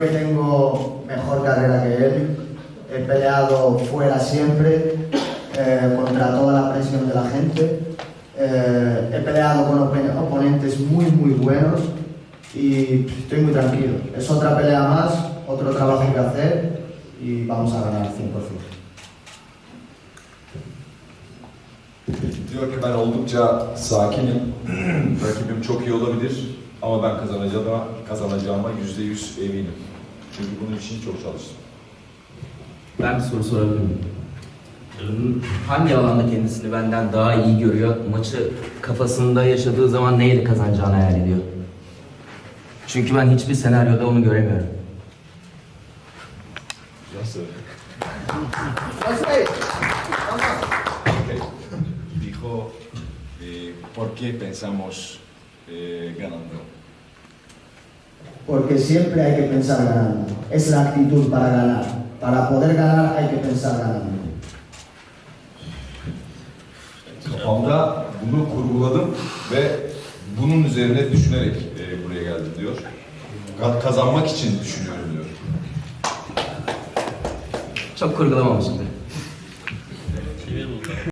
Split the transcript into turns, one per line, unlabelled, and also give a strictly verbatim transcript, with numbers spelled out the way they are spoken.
Tengo mejor carrera que él, he peleado fuera siempre, eh, contra toda la presión de la gente, eh, he peleado con op oponentes muy muy buenos y estoy muy tranquilo. Es otra pelea más, otro trabajo que hacer y vamos a ganar cien por ciento.
Diyor ki ben oldukça sakinim, rakibim çok iyi olabilir ama ben kazanacağıma, kazanacağıma yüzde yüz eminim. Çünkü bunun için çok çalıştım.
Ben bir soru sorabilir miyim? Hangi alanda kendisini benden daha iyi görüyor? Maçı kafasında yaşadığı zaman neyle kazanacağını hayal ediyor? Çünkü ben hiçbir senaryoda onu göremiyorum.
Nasıl?
Okay.
Dijo, eh, ¿por qué pensamos eh, ganando?
Porque siempre hay que pensar ganando. Es la actitud para ganar. Para poder ganar hay que pensar ganando.
Kafamda bunu kurguladım ve bunun üzerine düşünerek e, buraya geldim diyor. Kazanmak için düşünüyorum diyor.
Çok kurgulamamışımdır.